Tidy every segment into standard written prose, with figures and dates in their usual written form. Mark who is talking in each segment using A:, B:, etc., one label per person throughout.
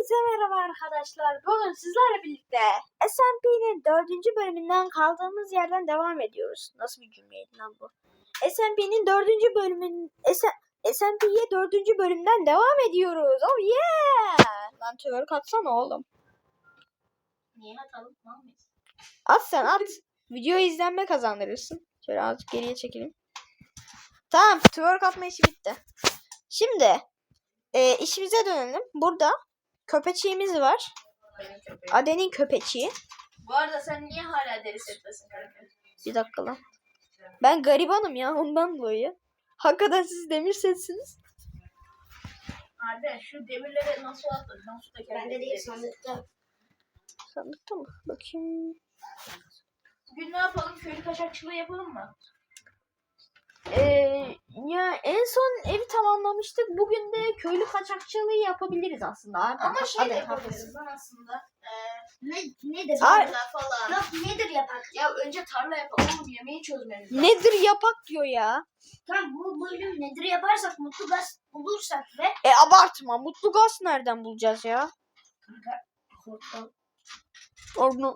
A: Hepinize merhaba arkadaşlar. Bugün sizlerle birlikte SMP'nin 4. bölümünden kaldığımız yerden devam ediyoruz. Nasıl bir cümleydi lan bu? SMP'nin 4. bölümün SMP'ye 4. bölümden devam ediyoruz. Oh yeah! Lan twerk atsana oğlum.
B: Niye atalım? Mıyız?
A: At sen at. Video izlenme kazandırırsın. Şöyle azıcık geriye çekelim. Tamam, twerk atma işi bitti. Şimdi işimize dönelim. Burada köpeçiğimiz var. Aden'in köpeçiği.
B: Bu arada sen niye hala deri setlesin kanka?
A: Bir dakika lan. Ben garibanım ya, ondan dolayı. Hakikaten siz demir setsiniz.
B: Arda şu demirleri nasıl attın? Nasıl da
C: Bende değil, sandıkta.
A: Sandıkta mı? Bakayım.
B: Bugün ne yapalım? Köylü kaçakçılığı yapalım mı?
A: Ya en son evi tamamlamıştık. Bugün de köylü kaçakçılığı yapabiliriz aslında.
B: Ama şey de
A: Hadi,
B: yapabiliriz lan aslında.
C: Nedir?
A: Ay.
B: Tarla falan.
C: Yok, nedir yapak?
B: Ya önce tarla yapalım. Oğlum yemeği çözmemiz lazım.
A: Nedir yapak diyor ya.
C: Tamam, bu bölüm nedir yaparsak, mutlu gaz bulursak ve
A: Abartma. Mutlu gaz nereden bulacağız ya?
C: portal.
A: Onu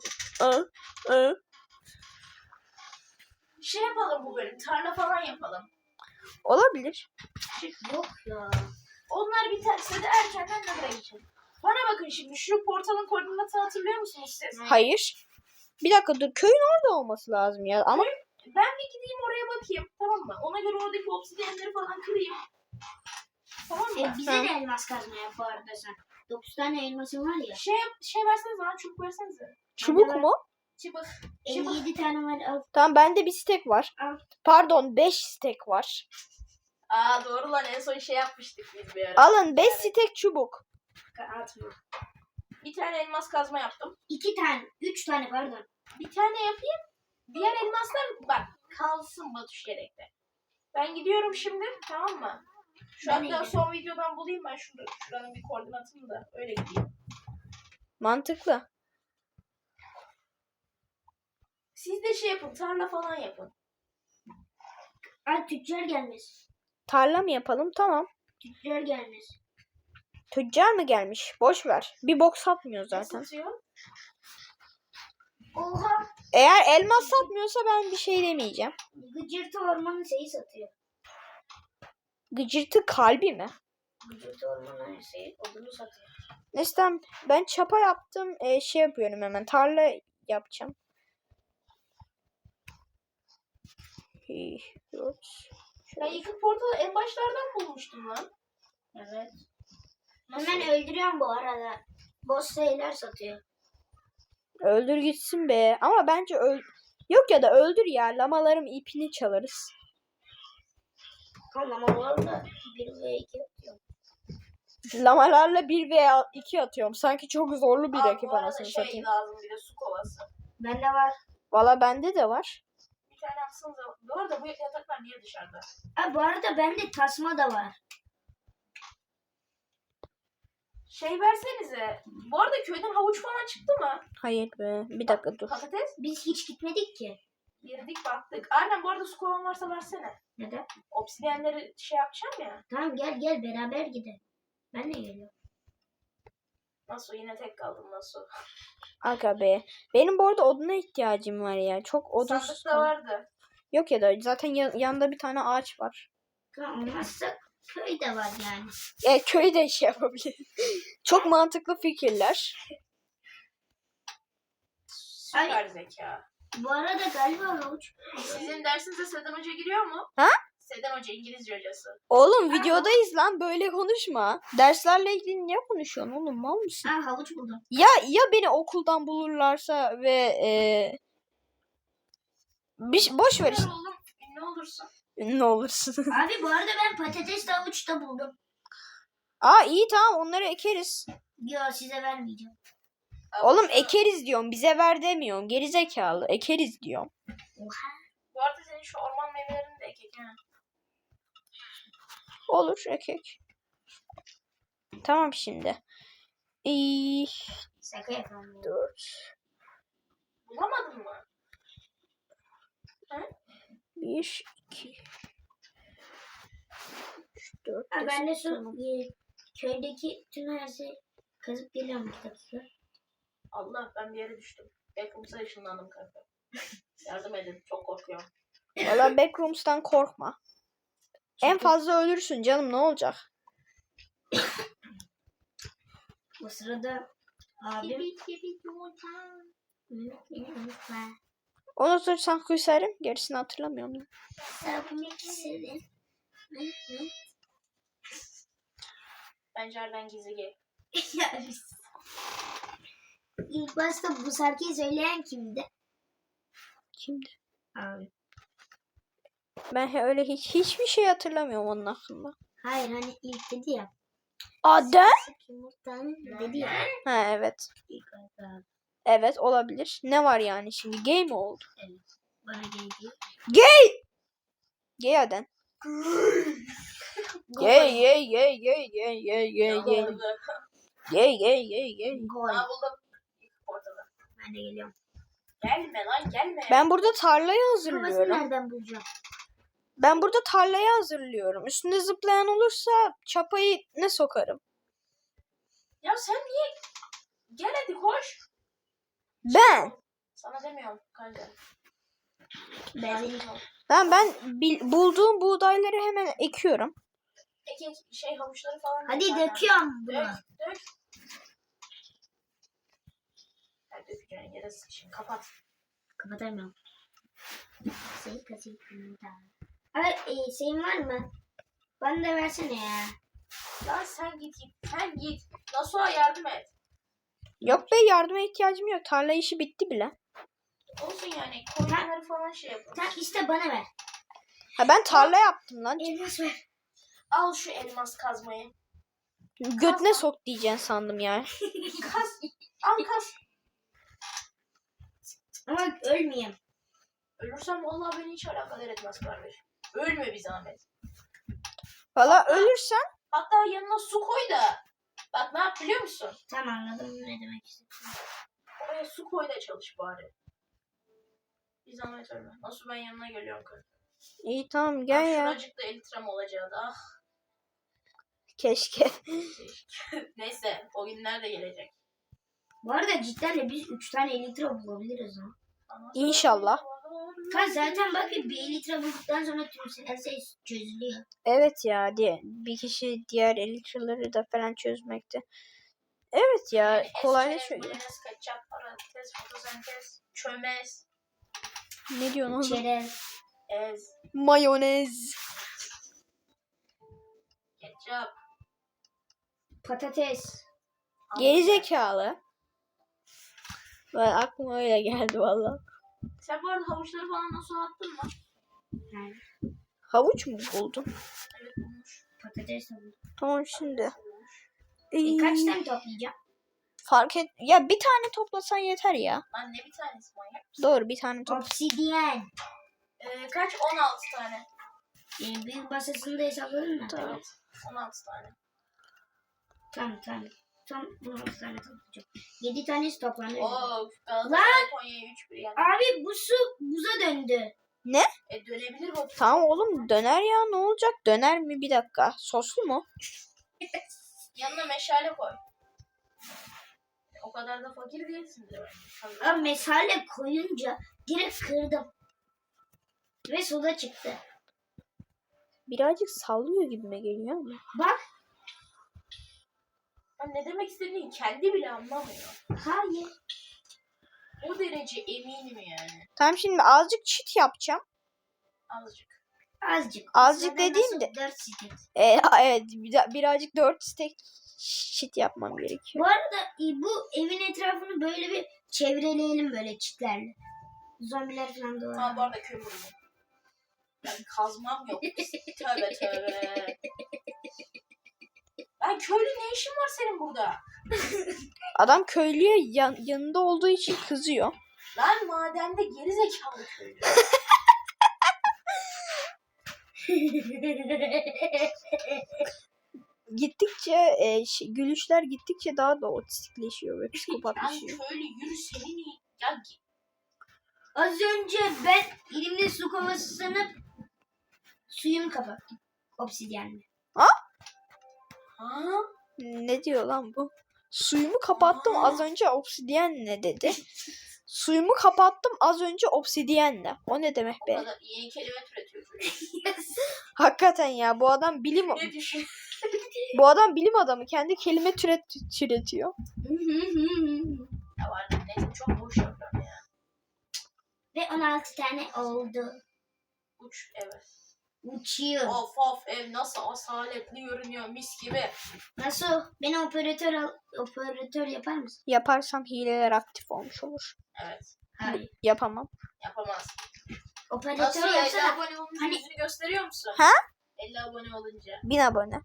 B: Şey yapalım bu bölüm. Tarla falan yapalım.
A: olabilir.
C: Yok ya.
B: Onlar biterse de erkenden nereye geçelim? Bana bakın şimdi. Şu portalın koordinatını hatırlıyor musunuz siz?
A: Hayır. Bir dakika dur. Köyün orada olması lazım ya. Ama
B: Ben bir gideyim oraya bakayım. Tamam mı? Ona göre oradaki obsidyenleri falan kırayım. Tamam mı?
C: Bize de elmas kazma yap bu arada sen. 9 tane elmasın var ya.
B: Şey versenize lan, çubuk versenize.
A: çubuk mu?
B: Çubuk.
C: 57 tane var, al.
A: Tamam, bende bir stek var.
C: Al.
A: Pardon, 5 stek var.
B: Aa doğru lan, en son şey yapmıştık biz bir ara.
A: Alın 5 stek çubuk.
C: Atma.
B: Bir tane elmas kazma yaptım.
C: 2 tane, 3 tane pardon.
B: Bir tane yapayım. Diğer elmaslar bak kalsın Batuş yedekte. Ben gidiyorum şimdi, tamam mı? Şu
C: Ben
B: hatta
C: gidiyorum.
B: son videodan bulayım ben şuranın bir koordinatını da öyle gideyim.
A: Mantıklı.
B: Siz de şey yapın, tarla falan yapın.
C: Ay, tüccar gelmez.
A: Tarla mı yapalım? Tamam.
C: Tüccar gelmez.
A: Tüccar mı gelmiş? Boş ver. Bir bok satmıyor
B: Ne
A: zaten.
B: satıyor?
C: Oha.
A: Eğer elmas satmıyorsa ben bir şey demeyeceğim.
C: Gıcırtı ormanı şeyi satıyor.
A: Gıcırtı kalbi mi?
C: Gıcırtı ormanı şeyi odunu satıyor.
A: Neyse, ben çapa yaptım. Şey yapıyorum hemen. Tarla yapacağım. 4.
B: Ben yıkık portalı en başlardan bulmuştum lan.
C: Evet.
B: Nasıl?
C: Hemen öldürüyorum bu arada. Boss şeyler satıyor.
A: Öldür gitsin be. Ama bence yok ya da öldür ya. Lamalarım ipini çalarız.
C: Tamam ama valla 1 ve 2 atıyorum.
A: Lamalarla 1 veya 2 atıyorum. Sanki çok zorlu bir
B: Aa,
A: rakip
B: bu arada
A: anasını
B: şey
A: satayım.
B: lazım, bir de su kovası.
C: Bende var.
A: Valla bende de var.
B: Bir tane atsanıza. Bu arada bu yataklar niye dışarıda?
C: Ha, bu arada bende tasma da var.
B: Şey versenize. Bu arada köyden havuç falan çıktı mı?
A: Hayır be. Bir dakika dur.
B: Patates.
C: Biz hiç gitmedik ki.
B: Girdik baktık. Aynen, bu arada su kovan varsa versene.
C: Neden?
B: Obsidyenleri şey yapacağım ya.
C: Tamam, gel beraber gidelim. Ben de geliyorum.
B: Nasıl, yine tek kaldım nasıl?
A: Aga be. Benim bu arada oduna ihtiyacım var ya. Çok odun.
B: Sandıkta vardı.
A: Yok ya da zaten yanında bir tane ağaç var.
C: Tamam, olmazsa köy de var yani.
A: Köyde şey yapabilir. Çok mantıklı fikirler.
B: Süper zeka.
C: Bu arada galiba havuç.
B: Sizin dersinize Seden Hoca giriyor mu?
A: Ha?
B: Seden Hoca, İngilizce hocası.
A: Oğlum videodayız lan, böyle konuşma. Derslerle ilgili niye konuşuyorsun oğlum, mal mısın?
C: Ha, havuç buldum.
A: Ya beni okuldan bulurlarsa ve boş ver işte.
B: Oğlum ne olursun.
A: Ne olursun.
C: Abi bu arada ben patates de havuç da buldum.
A: Aa iyi, tamam, onları ekeriz.
C: Yo, size vermeyeceğim.
A: Oğlum ekeriz diyorum, bize ver demiyorum. Gerizekalı, ekeriz diyorum.
B: Bu arada senin şu orman meyvelerini de ekek ha.
A: Olur, ekek. Tamam şimdi.
C: Şaka yapalım.
A: 4
B: Bulamadın mı?
A: 1 2 3 4
C: Ha, ben de şu köydeki tüm her şey Kazıp geliyorum 2 dakika.
B: Allah ben bir yere düştüm. Backrooms'a ışınlandım kanka. Yardım edin. Çok korkuyorum.
A: Valla Backrooms'tan korkma. En fazla ölürsün canım, ne olacak?
C: O sırada abim
A: Unutursan küserim, gerisini hatırlamıyorum.
B: Pencereden gizli gel.
C: İlk başta bu şarkıyı söyleyen kimdi?
A: Kimdi?
C: Abi.
A: Ben öyle hiçbir şey hatırlamıyorum onun hakkında.
C: Hayır hani ilk dedi ya.
A: Adem?
C: Yumurtanın dedi ya.
A: Ha evet.
C: İlk abi.
A: Evet olabilir. Ne var yani şimdi? Gay mi oldu?
C: Evet. Bana geldi.
A: Gay Adem. Gay gay gay gay gay gay gay gay. Gay gay gay gay.
C: Gol.
B: Aa buldum. Ortada.
C: Ben de geliyorum.
B: Gelme lan gelme.
A: Ben burada tarlayı
C: Kafasını
A: hazırlıyorum.
C: nereden bulacağım?
A: Ben burada tarlayı hazırlıyorum. Üstünde zıplayan olursa çapayı ne sokarım?
B: Ya sen niye? Gel hadi koş.
A: Ben.
B: Sana demiyorum kanka.
C: Ben
A: Ben bulduğum buğdayları hemen ekiyorum.
B: Peki şey havuçları falan.
C: Hadi
B: zaten.
C: döküyorum bunu.
B: Dök. Hadi dökeceğin yere sıçayım. Kapat.
C: Kapatamıyorum. Sayı kasayım. Abi şeyin var mı? Bana da versene ya.
B: Lan sen git. Sen git. Nasuh'a yardım et.
A: Yok be, yardıma ihtiyacım yok. Tarla işi bitti bile.
B: Olsun yani. Koyunları falan şey yapalım.
C: Tamam işte bana ver.
A: Ha ben tarla yaptım lan.
C: Elmas ver.
B: Al şu elmas kazmayı.
A: Götüne sok diyeceksin sandım ya.
B: Kaz. Al kaz.
C: Ama ölmeyeyim.
B: Ölürsem vallahi beni hiç alakadar etmez kardeş. Ölme bir zahmet.
A: Valla ölürsen
B: Hatta yanına su koy da. Bak ne yap biliyor musun?
C: Tamam anladım ne demek istediğini.
B: Oraya su koy da çalış bari. Bir zahmet ölme. Nasıl ben yanına geliyorum kız.
A: iyi tamam gel ya.
B: Şuracıkta elitram olacaktı. Ah.
A: Keşke.
B: Neyse o günler de gelecek.
C: Bu arada cidden de biz 3 tane litre bulabiliriz ha.
A: İnşallah.
C: Kan zaten bak bir litre bulduktan sonra tüm her şey çözülüyor.
A: Evet ya diye bir kişi diğer elitraları da falan çözmekte. Evet ya kolaylaşıyor.
B: Mayonez, ketçap, patates, fotosentez, çömez,
A: Ne diyorsun oğlum?
C: Çerez.
B: ez,
A: Mayonez.
B: ketçap.
C: Patates.
A: Gerizekalı. Ben aklıma öyle geldi valla.
B: Sen bu arada havuçları falan nasıl attın mı?
C: Yani
A: Havuç mu buldun?
B: Evet bulmuş.
C: patates aldım.
A: Tamam şimdi.
C: Kaç tane toplayacağım?
A: Fark et. Ya bir tane toplasan yeter ya.
B: Lan ne bir tanesi manyak.
A: Doğru, bir tane topla.
C: Obsidyen.
B: Kaç? 16 tane.
C: Büyük masasını da hesapladın mı?
A: Tamam.
B: Evet. 16 tane.
C: Tamam. Tam 16 tane toplayacağım. 7 tanesi toplandı.
B: Oo, Galatasaray Konya'ya 3-1 yani.
C: Abi bu su buza döndü.
B: Dönebilir bu.
A: Tamam oğlum döner ya, ne olacak? Döner mi, bir dakika? Soslu mu?
B: Yanına meşale koy. O kadar da fakir değilsin de.
C: Abi mesale koyunca direkt kırdım. Ve soda çıktı.
A: Birazcık sallıyor gibime geliyor ama.
C: Bak.
B: Ben ne demek istediğini kendi bile anlamıyor.
C: Hayır.
B: O derece eminim yani.
A: Tamam şimdi azıcık çit yapacağım.
B: Azıcık.
C: Azıcık.
A: Azıcık
C: Zaten
A: dediğim
C: nasıl
A: de-
C: 4 stek.
A: Evet birazcık 4 stek çit yapmam gerekiyor.
C: Bu arada bu evin etrafını böyle bir çevreleyelim böyle çitlerle. Zombiler falan da
B: Ha bu
C: var.
B: arada kömür bu. Ben kazmam yok. Tövbe tövbe. Lan köylü ne işin var senin burada?
A: Adam köylüye yanında olduğu için kızıyor.
B: Lan madende gerizekalı köylü.
A: Gittikçe gülüşler gittikçe daha da otistikleşiyor ve
B: Lan
A: psikopatlaşıyor.
B: köylü yürü senin ya.
C: Az önce ben elimde su kovası sanıp suyumu kapattım. Obsidyenle.
B: Ha?
A: Ne diyor lan bu? Suyumu kapattım az önce obsidyen ne dedi? Suyumu kapattım az önce obsidyenle. O ne demek
B: O
A: be?
B: kadar yeni kelime türetiyor çocuk.
A: Hakikaten ya bu adam bilim
B: Ne düşün?
A: bu adam bilim adamı kendi kelime türetiyor.
B: Ya var ya, neyse çok boş yapıyorum ya.
C: Ve 16 tane oldu.
B: Uç evet.
C: Uçuyor.
B: Of ev nasıl asaletli görünüyor mis gibi.
C: Nasıl? Beni operatör yapar mısın?
A: Yaparsam hileler aktif olmuş olur.
B: Evet.
C: Hayır.
A: Yapamam.
B: Yapamaz.
C: Operatör
B: Nasıl 50
C: yapsana.
B: abone olunca
C: Hani-
B: yüzünü gösteriyor musun?
A: Ha?
B: 50 abone olunca.
A: 1000 abone.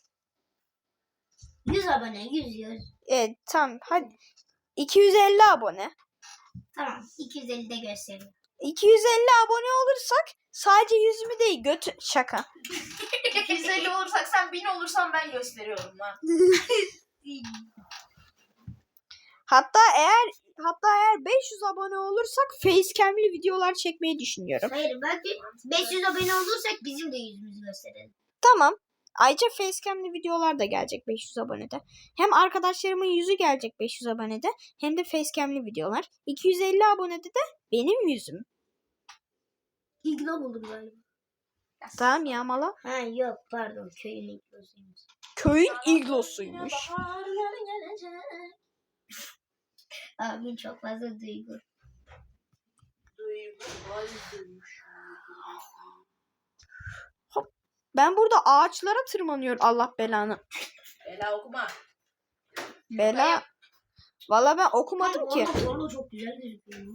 C: 100 abone. 100.
A: Evet tamam hadi. 250 abone.
C: Tamam. 250 de gösteriyor.
A: 250 abone olursak sadece yüzümü değil şaka.
B: 250 olursak sen 1000 olursan ben gösteriyorum lan.
A: Hatta eğer 500 abone olursak facecam'li videolar çekmeyi düşünüyorum.
C: Hayır bak 500 abone olursak bizim de yüzümüzü gösterelim.
A: Tamam. Ayrıca facecam'li videolar da gelecek 500 abonede. Hem arkadaşlarımın yüzü gelecek 500 abonede hem de facecam'li videolar. 250 abonede de benim yüzüm.
C: İglo buldum galiba.
A: Tamam ya mala.
C: Ha yok pardon köyün iglosuymuş.
A: Köyün iglosuymuş.
B: Baharlar gelecek.
C: Abim çok fazla duygu.
A: Ben burada ağaçlara tırmanıyorum Allah belanı.
B: Bela okuma.
A: Bela. Valla ben okumadım ki.
C: Orada çok güzel gözüküyor.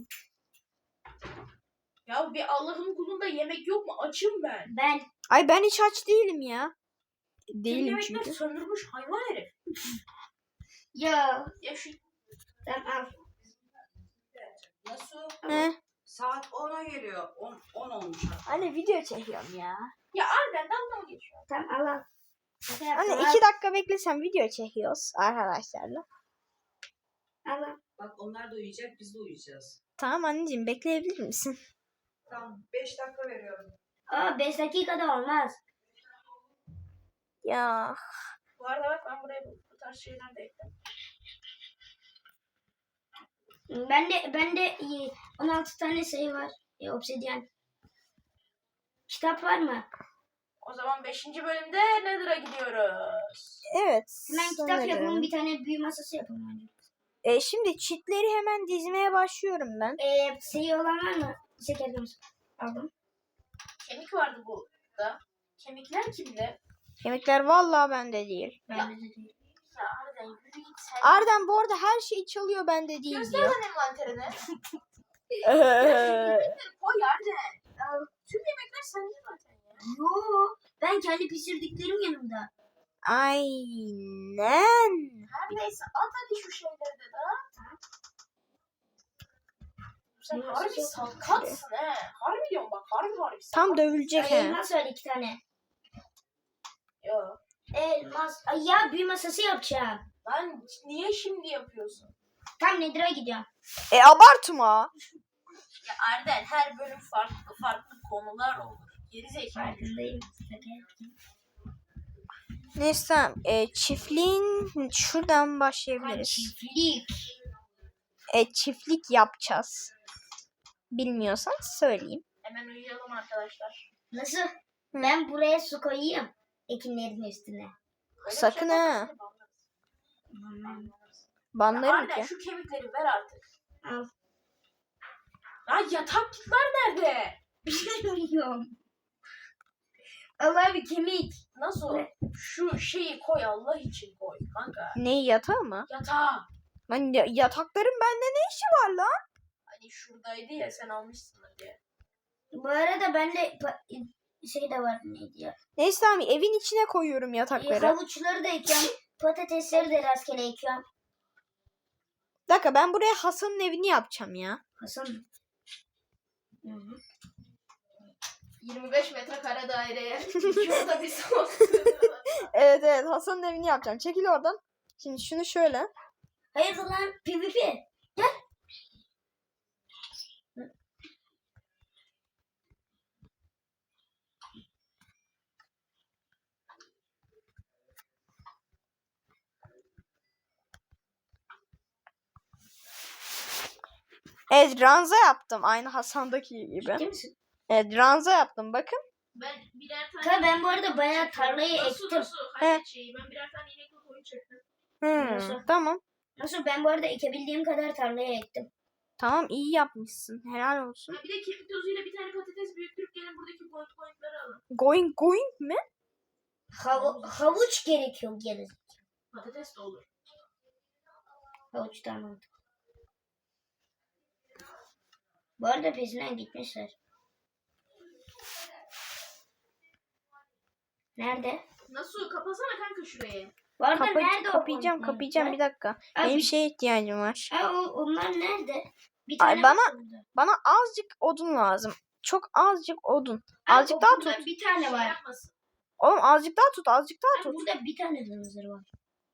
B: Ya bir Allah'ın kulunda yemek yok mu? Açım ben.
C: Ben
A: Ay ben hiç aç değilim ya.
B: Tüm
A: Değilim
B: yemekler
A: çünkü.
B: söndürmüş hayvan herif.
C: ya
B: Ya şu
C: sen al.
D: Nasıl?
A: Ne?
D: Saat 10'a geliyor. 10 olmuş artık.
A: Anne video çekiyorum ya.
B: ya Arden dalga mı geçiyor?
C: Sen al. Şaka yaptım,
A: Anne 2 dakika beklesem video çekiyoruz arkadaşlarla.
C: al.
D: Bak onlar da uyuyacak, biz de uyuyacağız.
A: Tamam anneciğim bekleyebilir misin?
D: Tamam 5 dakika veriyorum.
C: Aa 5 dakikada olmaz.
A: Ya
B: Bu arada bak ben buraya bu tarz şeyler de ekledim.
C: Ben de 16 tane şey var. Obsidyen. Kitap var mı?
B: O zaman 5. bölümde Nether'a gidiyoruz.
A: evet.
C: Hemen kitap
A: sanırım.
C: yapalım. Bir tane büyü masası yapalım önce.
A: Şimdi çitleri hemen dizmeye başlıyorum ben.
C: Şey olan var mı? Şeker konusu. Aldım.
B: Kemik vardı burada. Kemikler kimde?
A: Kemikler vallahi bende değil.
C: Bende de değil.
B: Ya Arden yürü git sen.
A: Arden bu arada her şeyi çalıyor bende değil
B: Göster
A: diyor.
B: lan envanterini. Koy Arden. Tüm yemekler sende zaten ya.
C: Yo, ben kendi pişirdiklerim yanımda.
A: Aynen.
B: Her neyse at hadi şu şeyleri de da. Sen
C: Nasıl
B: harbi
C: çok
B: salkatsın he. Harbi diyorum bak harbi
A: Tam
B: sakat.
A: dövülecek he.
C: Elmas var 2 tane.
B: Yo.
C: Elmas. Ay ya büyü masası yapacağım.
B: Lan niye şimdi yapıyorsun?
C: Tam Nether'a gidiyorum.
A: Abartma.
B: Ya Arden her bölüm farklı konular olur. Geri zekalı.
C: Farkındayım. Şaka yaptım.
A: Neyse tamam. Çiftliğin şuradan
C: Ha,
A: başlayabiliriz.
C: çiftlik.
A: Çiftlik yapacağız. Bilmiyorsan söyleyeyim.
B: Hemen uyuyalım arkadaşlar.
C: Nasıl? Ben buraya su koyayım. Ekinlerin üstüne.
B: Öyle bir
A: Sakın
B: şey
A: ha.
B: yaparsan banlarız.
A: Banlarım
B: Arden
A: ki.
B: şu kemikleri ver artık.
C: Al.
B: Lan yataklıklar nerede?
C: Bilmiyorum. Allah bir kemik.
B: Nasıl? Şu şeyi koy Allah için koy kanka.
A: Ne yatağı mı?
B: Yatağı.
A: Lan yatakların bende ne işi var lan?
B: Hani şuradaydı ya sen almışsın diye.
C: Bu arada bende şey de var neydi ya?
A: Neyse tamam evin içine koyuyorum yatakları.
C: Havuçları da ekiyorum. Patatesleri de rastgele ekiyorum.
A: Bir dakika ben buraya Hasan'ın evini yapacağım ya.
C: Hasan mı? Hı hı.
B: 25 metrekare daireye. Şurada bir sos.
A: Evet Hasan'ın evini yapacağım. Çekil oradan. Şimdi şunu şöyle.
C: Hayır lan PvP. Gel.
A: Evet, ranza yaptım. Aynı Hasan'daki gibi.
C: Değil misin?
A: Evet, ranza yaptım. Bakın.
B: Ben birer tane...
C: Kanka ben bu arada bayağı tarlayı
B: Nasıl
C: ektim.
B: nasıl? Hallet şeyi. Ben birer tane inekle koyun çektim.
C: Nasıl?
A: Tamam.
C: Nasıl ben bu arada ekebildiğim kadar tarlaya ektim.
A: Tamam, iyi yapmışsın. Helal olsun.
B: Ha, bir de kemik tozuyla bir tane patates büyüttürüp gelin buradaki boyutları alın.
A: Going mi?
C: Havuç gerekiyor geri.
B: Patates de olur.
C: Havuç tamam. Bu arada peşinden gitmişler. Nerede?
B: Nasıl? Kapasana kanka şurayı.
C: Bu arada nerede o
A: Kapayacağım,
C: boyutlar?
A: kapayacağım. Bir dakika.
C: Abi-
A: Benim şeye ihtiyacım var.
C: Onlar nerede? Bir
A: Ay,
C: tane
A: bana-
C: var burada.
A: Bana azıcık odun lazım. Çok azıcık odun.
C: Abi,
A: Azıcık daha
C: burada
A: tut.
C: Bir tane
B: Şey
C: var.
B: yapmasın.
A: Oğlum azıcık daha tut, azıcık daha
C: Abi,
A: tut.
C: burada bir tane hınzır var.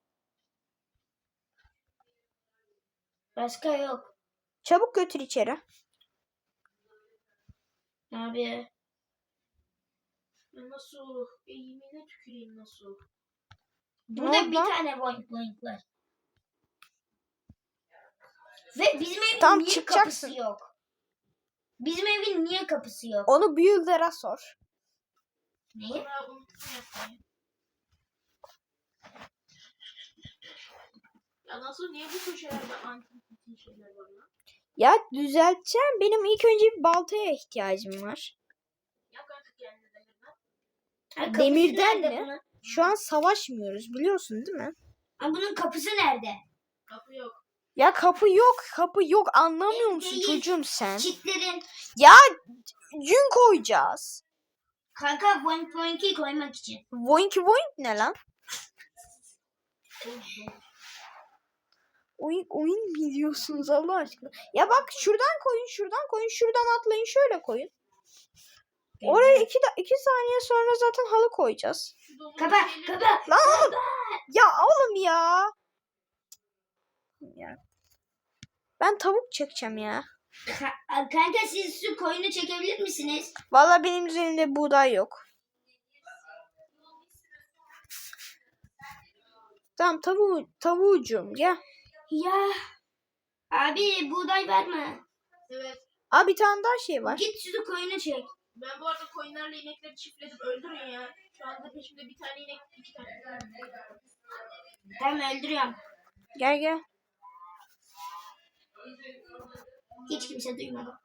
C: Başka yok.
A: Çabuk götür içeri.
C: Abi.
B: Ya nasıl? Eğimine tüküreyim nasıl?
C: Burada
A: oldu
C: bir
A: lan?
C: tane boink var. Ve bizim evin
A: Tam
C: niye
A: çıkacaksın.
C: kapısı yok? Bizim evin niye kapısı yok?
A: Onu büyülere sor.
C: Neyi?
B: Bana unuttum yapmayı. Ya nasıl? Niye bu köşelerde antik şeyler var lan?
A: Ya düzelteceğim. Benim ilk önce bir baltaya ihtiyacım var.
B: Yap kanka kendine demirden.
C: Ha, kapısı
A: Demirden
C: nerede
A: mi?
C: bunun?
A: Şu an savaşmıyoruz, biliyorsun değil mi?
C: Ha, bunun kapısı nerede?
B: Kapı yok.
A: Ya kapı yok, kapı yok. Anlamıyor musun
C: Değil.
A: çocuğum sen?
C: Çitlerin.
A: Ya gün koyacağız.
C: Kanka boink'i koymak için.
A: Voink voink ne lan? Oyun mi diyorsunuz Allah aşkına? Ya bak şuradan koyun, şuradan koyun, şuradan atlayın, şöyle koyun. Oraya 2 saniye sonra zaten halı koyacağız.
B: Şu domuz
C: Kapa
B: şeyleri-
C: kapa.
A: Lan oğlum! Ya oğlum ya. Ben tavuk çekeceğim ya.
C: Kanka siz şu koyunu çekebilir misiniz?
A: Vallahi benim üzerimde buğday yok. Tamam tavuğucum ya.
C: Ya. Abi buğday var mı?
B: Evet.
A: Aa, bir tane daha şey var.
C: Git şu koyunu çek.
B: Ben bu arada koyunlarla inekleri çiftledim. Öldürün ya. Şu anda peşimde bir tane inek, 2 tane.
C: Tamam öldürüyorum.
A: Gel.
C: Hiç kimse duymadı.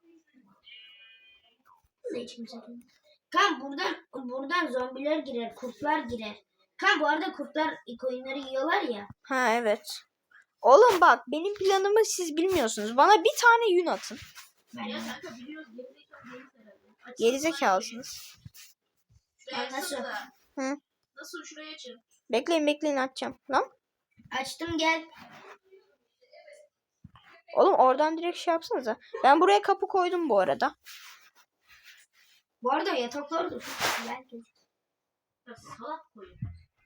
C: Hiç kimse duymadı. Kan buradan zombiler girer, kurtlar girer. Kan bu arada kurtlar koyunları yiyorlar ya.
A: Ha evet. Oğlum bak benim planımı siz bilmiyorsunuz. Bana bir tane yün atın.
B: Ya kanka biliyoruz. Gerizekalı değiliz herhalde. Açsana
A: Gerizekalısınız.
B: şurayı. Şuraya
C: Nasıl?
B: açsanıza.
A: Hı.
B: Nasıl şuraya açın?
A: Bekleyin atacağım. Lan.
C: Açtım gel.
A: Oğlum oradan direkt şey yapsanıza. Ben buraya kapı koydum bu arada.
C: Bu arada yataklar da çok güzel.
B: Ya salak koyun.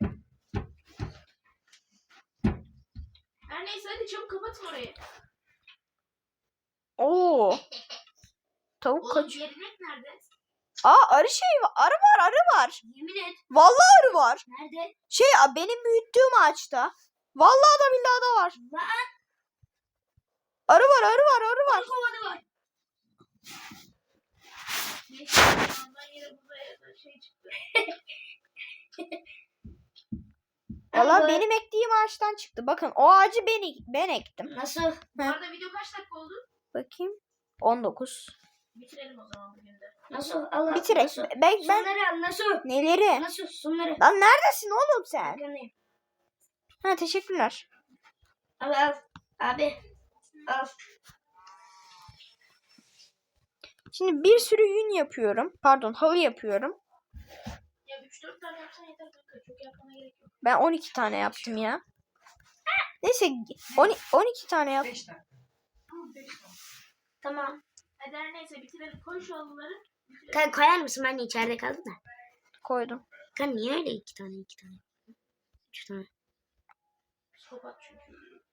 B: Her neyse hadi çabuk kapatın orayı.
A: Oo. Tavuk
B: Oğlum
A: kaç.
B: diğer inek nerede?
A: Aa, arı şey var. Arı var.
C: Yemin et.
A: Vallahi arı var.
C: Nerede?
A: Benim büyüttüğüm ağaçta. Vallahi da billahi da var.
C: Lan
A: Arı var.
C: kovanı var.
B: Neyse ondan yine burada şey çıktı.
A: Vallahi
C: Ama-
A: benim ektiğim ağaçtan çıktı. Bakın o ağacı ben ektim.
C: Nasıl?
B: Bu arada video kaç dakika oldu?
A: Bakayım. 19.
B: Bitirelim o zaman bugün de.
C: Nasıl? Allah.
A: Bitirek.
C: Nasıl?
A: Ben
C: Sunları al nasıl?
A: neleri?
C: Nasıl? Sunları.
A: Lan neredesin oğlum sen?
C: Arkandayım.
A: Ha, teşekkürler.
C: Al. Abi. Al.
A: Şimdi bir sürü yün yapıyorum. Pardon, halı yapıyorum.
B: Ya 3-4 tane yapsan yeter kanka. Çok yapmana gerek yok.
A: Ben 12 tane yaptım ya. Neyse 12 tane yap.
D: 5 dakika.
B: Tamam 5 tane.
C: Tamam.
B: Hadi her neyse bitirelim. Koy şu halıları. Bitirelim.
C: Koyar mısın? Ben de içeride kaldım da.
A: Koydum.
C: Kan niye öyle 2 tane? 3 tane.
B: Psikopat çünkü.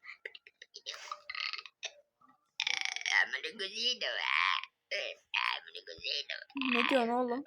A: Ne diyorsun oğlum?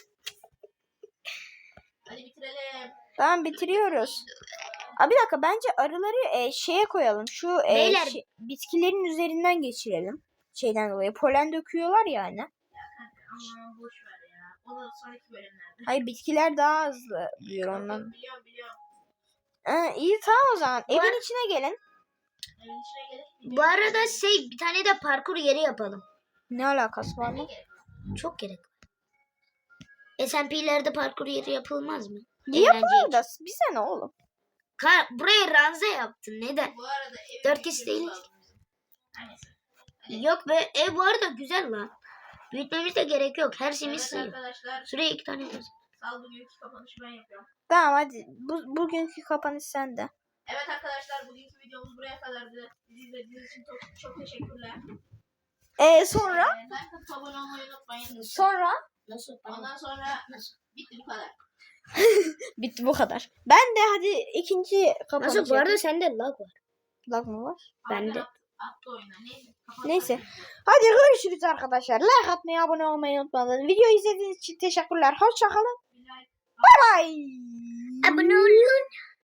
B: Hadi bitirelim.
A: Tamam, bitiriyoruz. Aa, bir dakika, bence arıları şeye koyalım. Şu
C: Beyler.
A: bitkilerin üzerinden geçirelim. şeyden dolayı. Polen döküyorlar yani.
B: Ama boş ver ya. O da sonraki bölümlerde.
A: Hayır bitkiler daha hızlı büyür ondan.
B: Biliyorum.
A: İyi tamam o zaman.
C: Bu
A: Evin içine gelin.
B: Evin içine gelip
C: Bu arada bir tane de parkur yeri yapalım.
A: Ne alakası var mı?
C: Çok gerek var. SMP'lerde parkur yeri yapılmaz mı?
A: Yapılır da bize ne oğlum?
C: Buraya ranza yaptın. Neden?
B: bu arada evin
C: 4
B: içine
C: kişi değil.
B: lazım bize. Neyse.
C: Yok be. Bu arada güzel lan. Büyütmemiz de gerek yok. Her şeyimiz
B: Evet
C: sığıyor.
B: arkadaşlar.
C: Şuraya 2 tane koyalım.
B: Sal bugünkü kapanışı ben yapıyorum.
A: Tamam hadi. Bugünkü kapanış sende.
B: Evet arkadaşlar bugünkü videomuz buraya kadardı. Bizi izlediğiniz için çok teşekkürler.
A: Sonra?
B: Like atıp abone olmayı unutmayın.
A: Sonra?
C: Nasıl?
B: Ondan sonra bitti bu kadar.
A: Bitti bu kadar. Ben de hadi ikinci kapanış
C: Nasıl? Bu arada
A: yapayım.
C: sende lag var.
A: Lag mı var?
C: Bende.
B: Attı oyuna. Neyse. kapat
A: Neyse.
B: artık.
A: Hadi görüşürüz arkadaşlar. Like atmayı, abone olmayı unutmayın. Videoyu izlediğiniz için teşekkürler. Hoşçakalın.
B: Bir like.
A: Bye bye.
C: Abone olun.